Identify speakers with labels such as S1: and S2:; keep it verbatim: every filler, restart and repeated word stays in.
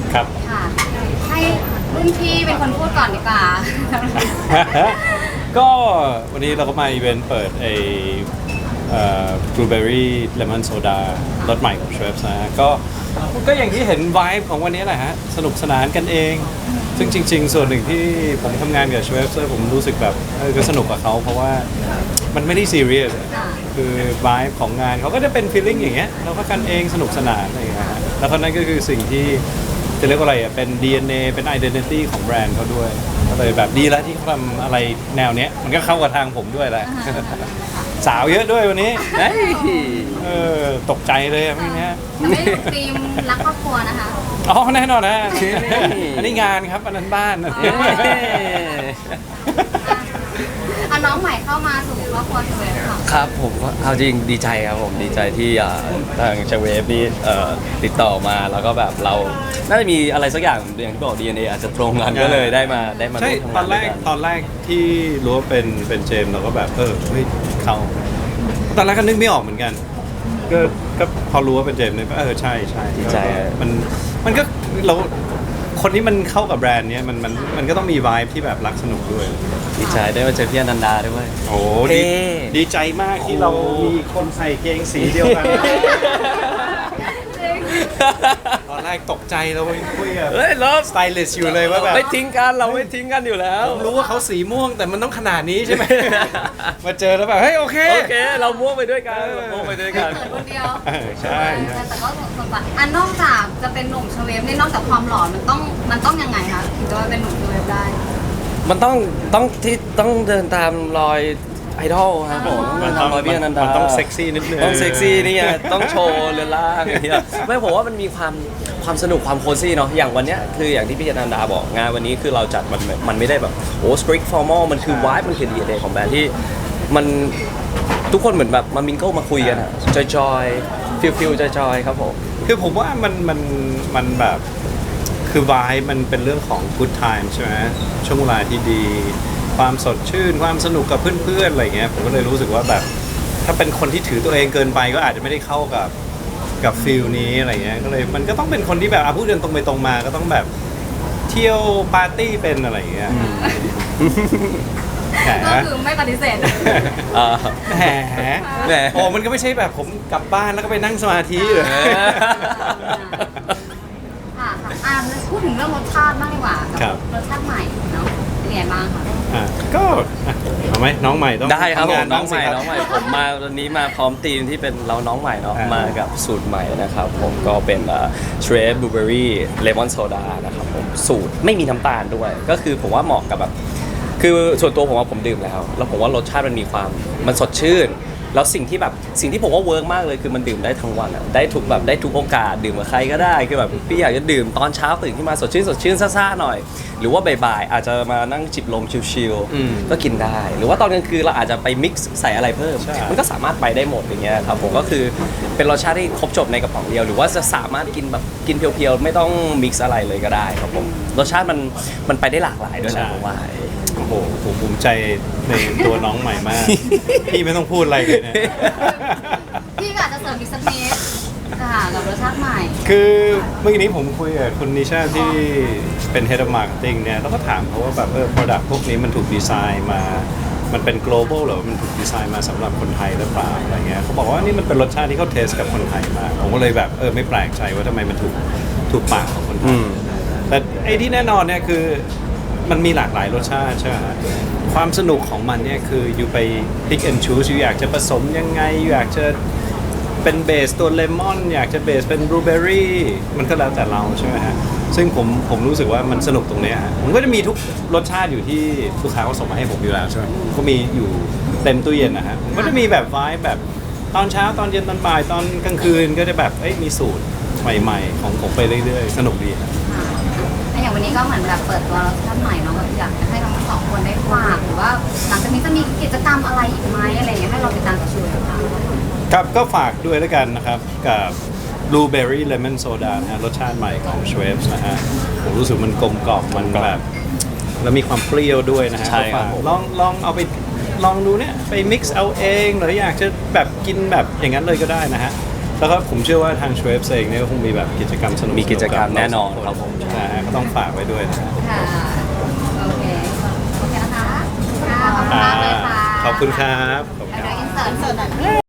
S1: ครับ
S2: ค่ะให้รุ่นพี่เป็นคนพูดก่อนดีกว่า
S1: ก็วันนี้เราก็มาอีเวนต์เปิดไอ้บลูเบอรี่เลมอนโซดารสใหม่ของ Schweppes นะฮะก็ก็อย่างที่เห็นไวบ์ของวันนี้แหละฮะสนุกสนานกันเอง ซึ่งจริงๆ ส่วนหนึ่งที่ผมทำงานกับ Schweppes ผมรู้สึกแบบเออก็สนุกกับเขาเพราะว่ามันไม่ได้ซีเรียสคือไวบ์ของงานเขาก็จะเป็นฟีลลิ่งอย่างเงี้ยเราก็กันเองสนุกสนานอะไรอย่างเงี้ยฮะแล้วก็นั่นก็คือสิ่งที่จะเรียกว่าอะไรอ่ะเป็น ดี เอ็น เอ เป็น identity ของแบรนด์เขาด้วยก็เลยแบบดีแล้วที่เขาทำอะไรแนวเนี้ยมันก็เข้ากับทางผมด้วยแหละ สาวเยอะด้วยวันนี้เฮ้ยเออตกใจเลยอะพวกเนี้ย
S2: จะไม่ถูกธีมรักครอบครัวนะคะ
S1: อ๋อแน่นอนนะอันนี้งานครับอันนั้นบ้าน
S2: อ่ะน้องใหม่เข้ามาสู่ครอบครัวเชเวฟค่ะ
S3: ครับผมก็เอาจริงดีใจครับผมดีใจที่อ่าทางเชเวฟนี่เอ่อติดต่อมาแล้วก็แบบเราน่าจะมีอะไรสักอย่างอย่างที่บอก ดี เอ็น เอ อาจจะตรงกันก็เลยได้มาได้มา
S1: ใช่
S3: ร่วม
S1: ต
S3: ทำ
S1: อง
S3: าน น
S1: แร
S3: ด้วย
S1: ก
S3: กัน
S1: ตอนแรกที่รู้ว่าเป็นเป็นเจมส์เราก็แบบเออเฮ้ยเขาตอนแรกก็นึกไม่ออกเหมือนกัน ก็ก็พอรู้ว่าเป็นเจมส์เนี่ยก็เออใช่ใช่
S3: ดีใจ
S1: มันมันก็เราคนที่มันเข้ากับแบรนด์เนี้ยมันมันมันก็ต้องมีวายที่แบบรักสนุกด้วย
S3: ดีใจได้มาเจอพี่อนันดาด้วย
S1: โอ้
S3: เท่
S1: ดีดีใจมากที่เรามีคนใส่เกงสีเดียวกัน ตอนแรกตกใจเราไปคุยกับ
S3: เฮ้ยเลิฟ
S1: สไตลิสต์อยู่เลยว่าแบบ
S3: ไม่ทิ้งกันเราไม่ทิ้งกันอยู่แล้ว
S1: ผมรู้ว่าเขาสีม่วงแต่มันต้องขนาดนี้ใช่ไหม มาเจอแล้วแบบเฮ้ยโอเค
S3: โอเค เราม่วงไปด้วยกันเราม่วงไปด้วยกัน
S2: เกิดคนเดียว
S1: เออใช่ใช่
S2: แต่ก็สมบัติอันนอกจากจะเป็นหนุ่มเชเวฟเนี่ยนอกจากความหล่อมันต้องมันต้องยังไงคะถึงจะมาเป็นหนุ่มเชเวฟได้
S3: มันต้องต้องที่ต้องเดินตามรอยไอดอลครับผม
S1: มัน
S3: ตามรอยพี่อนันดา
S1: มันต้องเซ็กซี่นิดนึง
S3: ต้องเซ็กซี่นี่ไงต้องโชว์เรือนร่างอย่างเงี้ยไม่ผมว่ามันมีความความสนุกความโคซี่เนาะอย่างวันเนี้ยคืออย่างที่พี่อนันดาบอกงานวันนี้คือเราจัดมันมันไม่ได้แบบโอ้สตริกฟอร์มอลมันคือวายมันคือดีเดย์ของแบรนด์ที่มันทุกคนเหมือนแบบมามิงเกิลมาคุยกันอะจอยจอยฟิลฟิลจอยจอยครับผม
S1: คือผมว่ามันมันมันแบบคือวายมันเป็นเรื่องของ good time ใช่ไหมช่วงเวลาที่ดีความสดชื่นความสนุกกับเพื่อนๆอะไรเงี้ยผมก็เลยรู้สึกว่าแบบถ้าเป็นคนที่ถือตัวเองเกินไปก็อาจจะไม่ได้เข้ากับกับฟิลนี้อะไรเงี้ยก็เลยมันก็ต้องเป็นคนที่แบบอ่ะพูดเดินตรงไปตรงมาก็ต้องแบบเที่ยวปาร์ตี้เป็นอะไรเงี้ยแหม
S2: ก็คือไม่ปฏิเสธ
S3: อ่า
S1: แหม
S3: แหม
S1: โอ้มันก็ไม่ใช่แบบผมกลับบ้านแล้วก็ไปนั่งสมาธิเลย
S2: ค่ะค่ะอ่าพูดถึงเรื่องรสชาติบ้างดีกว่ากั
S1: ครับ
S2: รสชาติใหม่เนาะเป็นไงบ้างคะ
S1: อ่ะก็อ่ะเอาไหมน้องใหม่ต้อง
S3: ได้ครับผ
S1: ทำงาม
S3: น้องใหม่
S1: สิครับ
S3: น้องใหม่ผมมาวันนี้มาพร้อมทีมที่เป็นเราน้องใหม่เนาะ
S1: อ่าม
S3: มากับสูตรใหม่นะครับผมก็เป็นเทรดบลูเบอรี่เลมอนโซดานะครับผมสูตรไม่มีน้ำตาลด้วย ก็คือผมว่าเหมาะกับแบบคือส่วนตัวผมว่าผมดื่มแล้ว แล้วผมว่ารสชาติมันมีความมันสดชื่น แล้วสิ่งที่แบบสิ่งที่ผมว่าเวิร์กมากเลยคือมันดื่มได้ทั้งวันอะได้ทุกแบบได้ทุกโอกาสดื่มกับใครก็ได้คือแบบพี่อยากจะดื่มตอนเช้าตื่นขึ้นมาสดชื่นสดชื่นซ่าๆหน่อย หรือว่าบ่ายๆอาจจะมานั่งจิบลมชิล
S1: อืม
S3: ๆก็กินได้ หรือว่าตอนกลางคืนเราอาจจะไปมิกซ์ใส่อะไรเพิ่ม
S1: ใช่
S3: มันก็สามารถไปได้หมดอย่างเงี้ยครับผมก็คือเป็นรสชาติที่ครบจบในกระป๋องเดียว หรือว่าจะสามารถกินแบบกินเพียวๆไม่ต้องมิกซ์อะไรเลยก็ได้ครับผมรสชาติมันมันไปได้หลากหลายด้วยนะผมว่า
S1: โอ้โหผมภูมิใจในตัวน้องใหม่มาก พี่ไม่ต้องพูดอะไรเลยเนี่ย
S2: พี่ก็อาจจะเสริมอีกสักนิดค่ะกับรสชาติใหม่
S1: คือเมื่อกี้นี้ผมคุยกับคุณนิชาที่เป็น Head of Marketing เนี่ยแล้วก็ถามเขาว่าแบบเออ product พวกนี้มันถูกดีไซน์มา มันเป็น global หรือว่ามันถูกดีไซน์มาสำหรับคนไทยหรือเปล่าอะไรเงี้ยเขาบอกว่านี่มันเป็นรสชาติที่เขาเทสกับคนไทยมากผมก็เลยแบบเออไม่แปลกใจว่าทำไมมันถูกถูกปากของคนไท
S3: อื
S1: ย
S3: ม
S1: แต่ไอ้ที่แน่นอนเนี่ยคือมันมีหลากหลายรสชาติใช่ไหมฮะความสนุกของมันเนี่ยคืออยู่ไป pick and choose อยู่อยากจะผสมยังไงอยู่อยากจะเป็นเบสตัวเลมอนอยากจะเบสเป็นบลูเบอรี่มันก็แล้วแต่เราใช่ไหมฮะซึ่งผมผมรู้สึกว่ามันสนุกตรงเนี้ยฮะผมก็จะมีทุกรสชาติอยู่ที่ลูกค้าเขาส่งมาให้ผมอยู่แล้วใช่ไหมก็มีอยู่เต็มตู้เย็นนะฮะผมก็จะมีแบบไวท์แบบตอนเช้าตอนเย็นตอนบ่ายตอนกลางคืนก็จะแบบเอ้ยมีสูตรใหม่ๆของผมไปเรื่อยๆสนุกดีครับ
S2: ค่ะแล้วอย่างวันนี้ก็เหมือนแบบเปิดตัวรสชาติใหม่เนาะแบบอยากจะให้ทั้งสองคนได้ฝากหรือว่าหลังจากนี้จะมีกิจกรรมอะไรอีกไหมอะไรอย่างเงี้ยให้เราติดตามกับชูค่ะ
S1: ครับก็ฝากด้วยแล้วกันนะครับกับ Blueberry Lemon Soda นะฮะรสชาติใหม่ของ Schweppes นะฮะผมรู้สึกมันกลมกล่อมมันแบบแล้วมีความเปรี้ยวด้วยนะฮะ
S3: ใช่ครับ
S1: ก็ฝากลองลองเอาไปลองดูเนี่ยไป mix เอาเองหรืออยากจะแบบกินแบบอย่างนั้นเลยก็ได้นะฮะแล้วก็ผมเชื่อว่าทางชเวฟเองเนี่ยก็คงมีแบบกิจกรรมสนุกๆ
S3: มีกิจกรรมแน่นอน
S1: บ
S3: ครับผม
S1: นะฮะก็ต้องฝากไว้ด้วยนะครับ
S2: ค่ะโอเคโอเคนะคะค่ะขอบคุณมากเลยค่ะ
S1: ขอบคุณครับขอบคุณ
S2: แล้ว
S1: ครับ
S2: เดี๋ยวอินเสิร์ต